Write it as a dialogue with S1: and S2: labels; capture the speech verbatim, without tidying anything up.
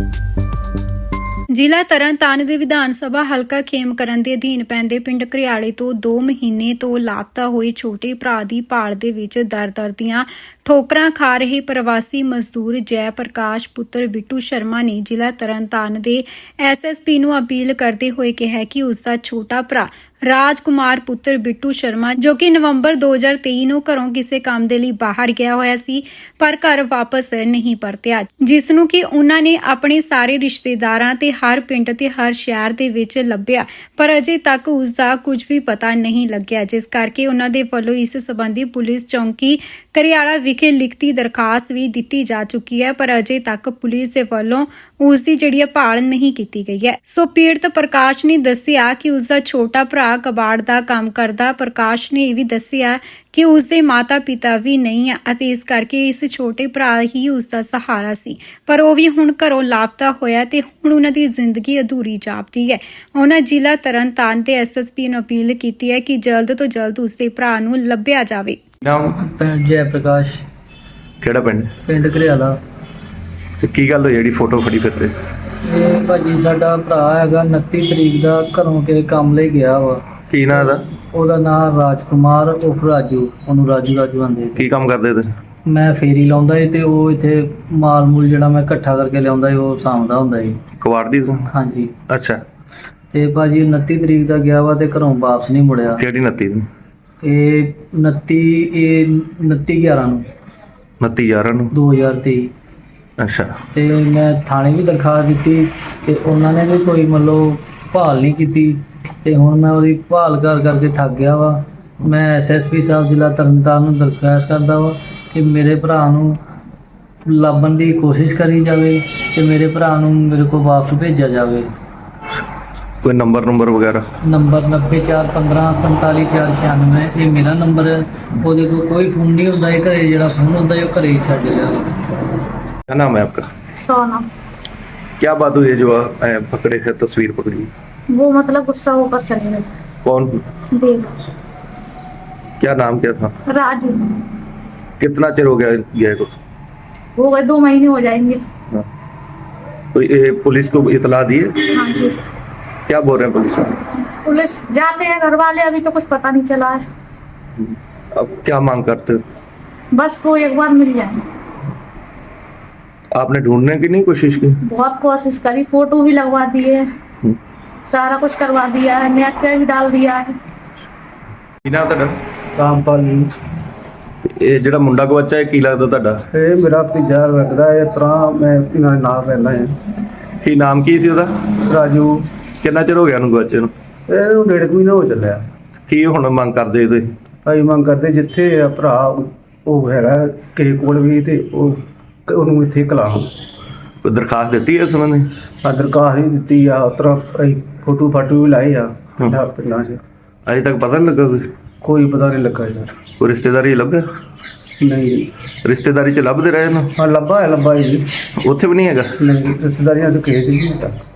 S1: ਜ਼ਿਲ੍ਹਾ ਤਰਨਤਾਰਨ ਦੇ ਵਿਧਾਨ ਸਭਾ ਹਲਕਾ ਖੇਮਕਰਨ ਦੇ ਅਧੀਨ ਪੈਂਦੇ ਪਿੰਡ ਘਰਿਆਲੇ ਤੋਂ ਦੋ ਮਹੀਨੇ ਤੋਂ ਲਾਪਤਾ ਹੋਏ ਛੋਟੇ ਭਰਾ ਦੀ ਭਾਲ ਦੇ ਵਿੱਚ ਦਰ-ਦਰ ਦੀਆਂ ਠੋਕਰਾਂ ਖਾ ਰਹੇ ਪ੍ਰਵਾਸੀ ਮਜ਼ਦੂਰ ਜੈ ਪ੍ਰਕਾਸ਼ ਪੁੱਤਰ ਬਿੱਟੂ ਸ਼ਰਮਾ ਨੇ ਜ਼ਿਲ੍ਹਾ ਤਰਨਤਾਰਨ ਦੇ ਐਸ ਐਸ ਪੀ ਨੂੰ ਅਪੀਲ ਕਰਦੇ ਹੋਏ ਕਿਹਾ ਕਿ ਉਸ ਦਾ ਛੋਟਾ ਭਰਾ ਰਾਜਕੁਮਾਰ ਪੁੱਤਰ ਬਿੱਟੂ ਸ਼ਰਮਾ ਜੋ ਕਿ ਨਵੰਬਰ ਦੋ ਹਜ਼ਾਰ ਤੇਈ ਨੂੰ ਘਰੋਂ ਕਿਸੇ ਕੰਮ ਦੇ ਲਈ ਬਾਹਰ ਗਿਆ ਹੋਇਆ ਸੀ ਪਰ ਘਰ ਵਾਪਸ ਨਹੀਂ ਪਰਤਿਆ, ਜਿਸ ਨੂੰ ਕਿ ਉਹਨਾਂ ਨੇ ਆਪਣੇ ਸਾਰੇ ਰਿਸ਼ਤੇਦਾਰਾਂ ਤੇ ਹਰ ਪਿੰਡ ਤੇ ਹਰ ਸ਼ਹਿਰ ਦੇ ਵਿੱਚ ਲੱਭਿਆ ਪਰ ਅਜੇ ਤੱਕ ਉਸ ਦਾ ਕੁਝ ਵੀ ਪਤਾ ਨਹੀਂ ਲੱਗਿਆ, ਜਿਸ ਕਰਕੇ ਉਹਨਾਂ ਦੇ ਵੱਲੋਂ ਇਸ ਸੰਬੰਧੀ ਪੁਲਿਸ ਚੌਂਕੀ ਘਰਿਆਲਾ ਵਿਖੇ ਲਿਖਤੀ ਦਰਖਾਸਤ ਵੀ ਦਿੱਤੀ ਜਾ ਚੁੱਕੀ ਹੈ ਪਰ ਅਜੇ ਤੱਕ ਪੁਲਿਸ ਦੇ ਵੱਲੋਂ ਉਸ ਦੀ ਜਿਹੜੀ ਭਾਲ ਨਹੀਂ ਕੀਤੀ ਗਈ ਹੈ। ਸੋ ਪੀੜਤ ਪ੍ਰਕਾਸ਼ ਨੇ ਦੱਸਿਆ ਕਿ ਉਸ ਦਾ ਛੋਟਾ ਭਰਾ ਕਬਾੜ ਦਾ ਕੰਮ ਕਰਦਾ। ਪ੍ਰਕਾਸ਼ ਨੇ ਇਹ ਵੀ ਦੱਸਿਆ ਕਿ ਉਸ ਦੇ ਮਾਤਾ ਪਿਤਾ ਵੀ ਨਹੀਂ ਹੈ ਅਤੇ ਇਸ ਕਰਕੇ ਇਸ ਛੋਟੇ ਭਰਾ ਹੀ ਉਸ ਦਾ ਸਹਾਰਾ ਸੀ ਪਰ ਉਹ ਵੀ ਹੁਣ ਘਰੋਂ ਲਾਪਤਾ ਹੋਇਆ ਤੇ ਹੁਣ ਉਹਨਾਂ ਦੀ ਜ਼ਿੰਦਗੀ ਅਧੂਰੀ ਜਾਪਦੀ ਹੈ। ਉਹਨਾਂ ਜ਼ਿਲ੍ਹਾ ਤਰਨਤਾਰਨ ਤੇ ਐਸ ਐਸ ਪੀ ਨੂੰ ਅਪੀਲ ਕੀਤੀ ਹੈ ਕਿ ਜਲਦ ਤੋਂ ਜਲਦ ਉਸ ਦੇ ਭਰਾ ਨੂੰ ਲੱਭਿਆ ਜਾਵੇ।
S2: ਨਾਮ
S3: ਪਿੰਡ ਜੈ ਪ੍ਰਕਾਸ਼,
S2: ਕਿਹੜਾ ਪਿੰਡ?
S3: ਪਿੰਡ ਘਰਿਆਲਾ।
S2: ਤੇ ਕੀ ਗੱਲ ਹੋਈ ਜਿਹੜੀ ਫੋਟੋ ਫੜੀ ਫਿਰਦੇ?
S3: ਇਹ ਭਾਜੀ ਸਾਡਾ ਭਰਾ ਹੈਗਾ ਉਨੱਤੀ ਤਰੀਕ ਦਾ ਘਰੋਂ ਕੇ ਕੰਮ ਲਈ ਗਿਆ ਵਾ।
S2: ਕੀ ਨਾਂ ਦਾ?
S3: ਉਹਦਾ ਨਾਮ ਰਾਜਕੁਮਾਰ ਉਰਫ ਰਾਜੂ, ਉਹਨੂੰ ਰਾਜੂ ਰਾਜੂ ਆਂਦੇ।
S2: ਕੀ ਕੰਮ ਕਰਦੇ ਤੇ?
S3: ਮੈਂ ਫੇਰੀ ਲਾਉਂਦਾ ਸੀ ਤੇ ਉਹ ਇੱਥੇ ਮਾਲ ਮੂਲ ਜਿਹੜਾ ਮੈਂ ਇਕੱਠਾ ਕਰਕੇ ਲਿਆਉਂਦਾ ਸੀ ਉਹ ਸਾਂਭਦਾ ਹੁੰਦਾ ਸੀ।
S2: ਕਬਾੜ ਦੀ ਤੂੰ?
S3: ਹਾਂਜੀ।
S2: ਅੱਛਾ।
S3: ਤੇ ਭਾਜੀ ਉਨੱਤੀ ਤਰੀਕ ਦਾ ਗਿਆ ਵਾ ਤੇ ਘਰੋਂ ਵਾਪਸ ਨਹੀਂ ਮੁੜਿਆ।
S2: ਕਿਹੜੀ ਉਨੱਤੀ ਨੂੰ?
S3: ਇਹ ਉਨੱਤੀ ਇਹ ਉਨੱਤੀ ਗਿਆਰਾਂ ਨੂੰ
S2: ਉਨੱਤੀ ਗਿਆਰਾਂ ਨੂੰ
S3: ਦੋ ਹਜ਼ਾਰ ਤੇਈ।
S2: ਅੱਛਾ।
S3: ਤੇ ਮੈਂ ਥਾਣੇ ਵੀ ਦਰਖਾਸਤ ਦਿੱਤੀ ਤੇ ਉਹਨਾਂ ਨੇ ਵੀ ਕੋਈ ਮਤਲਬ ਭਾਲ ਨਹੀਂ ਕੀਤੀ ਤੇ ਹੁਣ ਮੈਂ ਉਹਦੀ ਭਾਲ ਕਰ ਕਰਕੇ ਥੱਕ ਗਿਆ ਵਾ। ਮੈਂ ਐਸ ਐਸ ਪੀ ਸਾਹਿਬ ਜ਼ਿਲ੍ਹਾ ਤਰਨਤਾਰਨ ਨੂੰ ਦਰਖਾਸਤ ਕਰਦਾ ਵਾ ਕਿ ਮੇਰੇ ਭਰਾ ਨੂੰ ਲੱਭਣ ਦੀ ਕੋਸ਼ਿਸ਼ ਕਰੀ ਜਾਵੇ ਤੇ ਮੇਰੇ ਭਰਾ ਨੂੰ ਮੇਰੇ ਕੋਲ ਵਾਪਸ ਭੇਜਿਆ ਜਾਵੇ।
S2: ਕੋਈ ਨੰਬਰ ਨੰਬਰ ਵਗੈਰਾ?
S3: ਨੰਬਰ ਨੱਬੇ ਚਾਰ ਪੰਦਰਾਂ ਸੰਤਾਲੀ ਚਾਰ ਛਿਆਨਵੇਂ ਇਹ ਮੇਰਾ ਨੰਬਰ ਹੈ। ਉਹਦੇ ਕੋਲ ਕੋਈ ਫੋਨ ਨਹੀਂ ਹੁੰਦਾ, ਇਹ ਘਰੇ ਜਿਹੜਾ ਫੋਨ ਹੁੰਦਾ ਉਹ ਘਰੇ ਹੀ ਛੱਡ ਗਿਆ।
S2: क्या नाम है आपका?
S4: सोना।
S2: क्या बात हुई है जो आ, पकड़े थे, तस्वीर पकड़ी?
S4: वो मतलब गुस्सा होकर चले गए।
S2: कौन?
S4: देव।
S2: क्या नाम क्या था?
S4: राजू।
S2: कितना चिर हो गया गए को?
S4: हो गए दो महीने हो जाएंगे।
S2: हाँ। तो ये पुलिस को इतला दी है?
S4: हाँ जी।
S2: क्या बोल रहे हैं पुलिस वाले?
S4: पुलिस जाते हैं घर वाले, अभी तो कुछ पता नहीं चला है।
S2: अब क्या मांग करते हो?
S4: बस वो एक बार मिल जाए।
S2: आपने ढूंढने की नहीं कोशिश की?
S4: बहुत कोशिश करी, फोटो भी लगवा दिए, सारा कुछ करवा दिया है, नेट पे भी डाल दिया है।
S2: ਕਿਹਨਾਂ ਤੁਹਾਡਾ?
S3: ਰਾਮਪਾਲ ਜੀ।
S2: ਇਹ ਜਿਹੜਾ ਮੁੰਡਾ ਗਵਾਚਾ ਹੈ ਕੀ ਲੱਗਦਾ ਤੁਹਾਡਾ?
S3: ਇਹ ਮੇਰਾ ਭਤੀਜਾ ਲੱਗਦਾ ਹੈ। ਇਸ ਤਰ੍ਹਾਂ ਮੈਂ ਇਹਨਾਂ ਨਾਲ ਰਹਿੰਦਾ ਹਾਂ।
S2: ਕੀ ਨਾਮ ਕੀ ਸੀ ਉਹਦਾ?
S3: ਰਾਜੂ।
S2: ਕਿੰਨਾ ਚਿਰ ਹੋ ਗਿਆ ਉਹਨੂੰ ਗਵਾਚੇ ਨੂੰ?
S3: ਇਹਨੂੰ ਡੇਢ ਕੁ ਮਹੀਨਾ ਹੋ ਚੱਲਿਆ।
S2: ਕੀ ਹੁਣ ਮੰਗ ਕਰਦੇ ਤੁਸੀਂ?
S3: ਅਸੀਂ ਮੰਗ ਕਰਦੇ ਜਿੱਥੇ ਆ ਭਰਾ ਉਹ ਹੈਗਾ ਕਿਸੇ ਕੋਲ ਵੀ ਤੇ ਉਹ ਉਹਨੂੰ ਇੱਥੇ ਕਲਾਓ।
S2: ਕੋਈ ਦਰਖਾਸਤ ਦਿੱਤੀ ਹੈ ਇਸ ਸੰਬੰਧੀ?
S3: ਆ ਦਰਖਾਸਤ ਵੀ ਦਿੱਤੀ ਆ, ਉਸ ਤਰ੍ਹਾਂ ਅਸੀਂ ਫੋਟੋ ਫਾਟੋ ਵੀ ਲਾਏ ਆ ਪਿੰਡਾਂ ਪਿੰਡਾਂ 'ਚ।
S2: ਅਜੇ ਤੱਕ ਪਤਾ ਨਹੀਂ ਲੱਗਾ ਕੋਈ?
S3: ਕੋਈ ਪਤਾ ਨਹੀਂ ਲੱਗਾ ਯਾਰ।
S2: ਕੋਈ ਰਿਸ਼ਤੇਦਾਰੀ ਲੱਭਿਆ?
S3: ਨਹੀਂ।
S2: ਰਿਸ਼ਤੇਦਾਰੀ 'ਚ ਲੱਭਦੇ ਰਹੇ ਨਾ?
S3: ਹਾਂ ਲੱਭਾ ਹੈ ਲੱਭਾ ਜੀ।
S2: ਉੱਥੇ ਵੀ ਨਹੀਂ ਹੈਗਾ?
S3: ਨਹੀਂ ਰਿਸ਼ਤੇਦਾਰੀਆਂ ਤੋਂ ਕਿਸੇ ਦੀ ਨਹੀਂ ਪਤਾ।